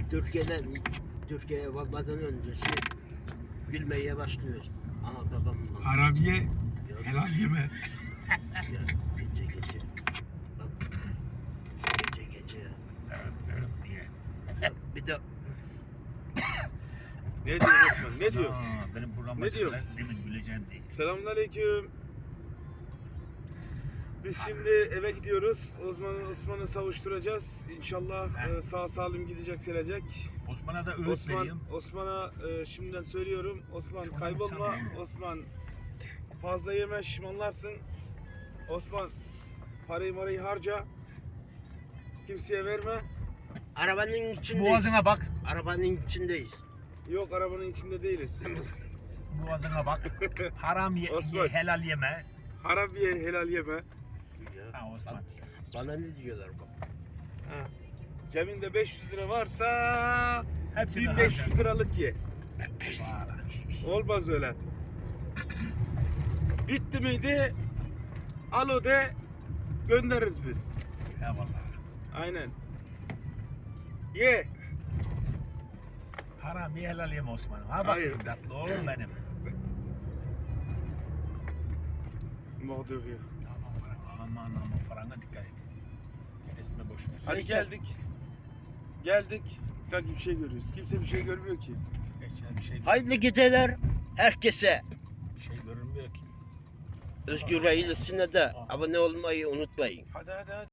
Türkiye'ye varmadan öncesi gülmeye başlıyoruz. Aha babamla. Harabiye helal yeme. Ya, gece. Bak, gece. Evet diye. Ya, bir de Ne diyor Osman? Ne diyor? Benim programa Ne diyor? demin güleceğim değil. Selamünaleyküm. Biz şimdi eve gidiyoruz. Osman'ı savuşturacağız. İnşallah sağ salim gidecek, gelecek. Osman'a da öğüt vereyim. Osman'a şimdiden söylüyorum. Osman kaybolma. Osman fazla yeme, şişmanlarsın. Osman parayı harca. Kimseye verme. arabanın içindeyiz. Boğazına bak. Arabanın içindeyiz. Yok, arabanın içinde değiliz. Boğazına bak. Haram ye, Osman. helal yeme. Harabiye helal yeme. Ya, Ha Osman. bana ne diyorlar bak. Ha. Cebinde 500 lira varsa Hepsini 1500 liralık ye. harca. Olmaz öyle. Bitti miydi? Alo de, göndeririz biz. Eyvallah. Aynen. Ye. Haram ye, helal yeme Osman. Ha bak Hayır. tatlı oğlum benim. Mort de rire. Aman parana dikkat et. Gerisine boş ver. Hadi Geldik. Sanki bir şey görüyoruz. Kimse bir şey görmüyor ki. Geçen bir şey, Hayırlı geceler herkese. bir şey görünmüyor ki. Özgür ailesine de abone olmayı unutmayın. Hadi.